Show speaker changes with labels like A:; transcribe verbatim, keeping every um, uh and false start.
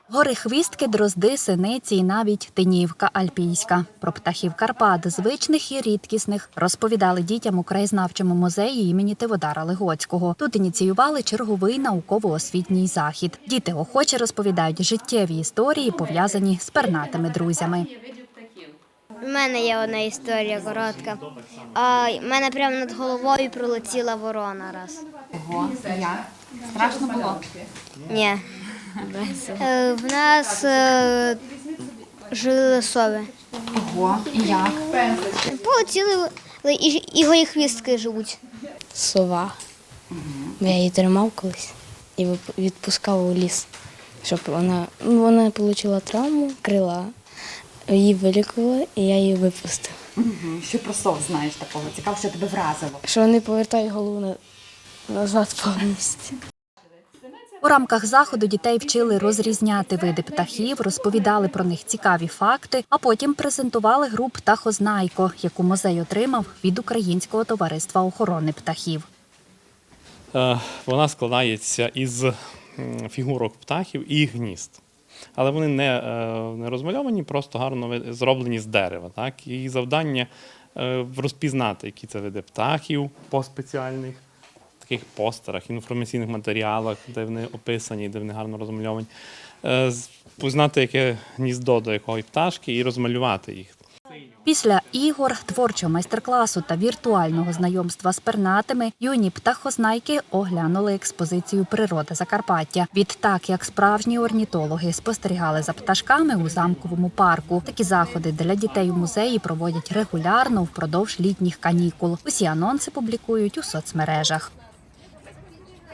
A: Горихвістки, дрозди, синиці і навіть тинівка альпійська. Про птахів Карпат, звичних і рідкісних, розповідали дітям у краєзнавчому музеї імені Тиводара Легоцького. Тут ініціювали черговий науково-освітній захід. Діти охоче розповідають життєві історії, пов'язані з пернатими друзями.
B: У мене є одна історія коротка. А в мене прямо над головою пролетіла ворона раз.
C: Ого, як? Страшно було?
B: Ні. Е, В нас е, жили сови.
C: Ого, і як?
B: Полетіли і, і горіхвістки живуть.
D: Сова. Я її тримав колись і вип- відпускав у ліс, щоб вона, ну, вона отримала травму, крила, її вилікували, і я її випустив.
C: Угу. Що про сов знаєш такого? Цікаво, що тебе вразило.
D: Що вони повертають голову на- назад повністю.
A: У рамках заходу дітей вчили розрізняти види птахів, розповідали про них цікаві факти, а потім презентували гру «Птахознайко», яку музей отримав від Українського товариства охорони птахів.
E: Е, Вона складається із м, фігурок птахів і гнізд. Але вони не, е, не розмальовані, просто гарно ви- зроблені з дерева. Так? І завдання е, розпізнати, які це види птахів по спеціальних таких постерах, інформаційних матеріалах, де вони описані, де вони гарно розмальовані. Е, з- Познати, яке гніздо до якої пташки, і розмалювати їх.
A: Після ігор, творчого майстер-класу та віртуального знайомства з пернатими юні птахознайки оглянули експозицію «Природа Закарпаття». Відтак, як справжні орнітологи, спостерігали за пташками у замковому парку. Такі заходи для дітей у музеї проводять регулярно впродовж літніх канікул. Усі анонси публікують у соцмережах.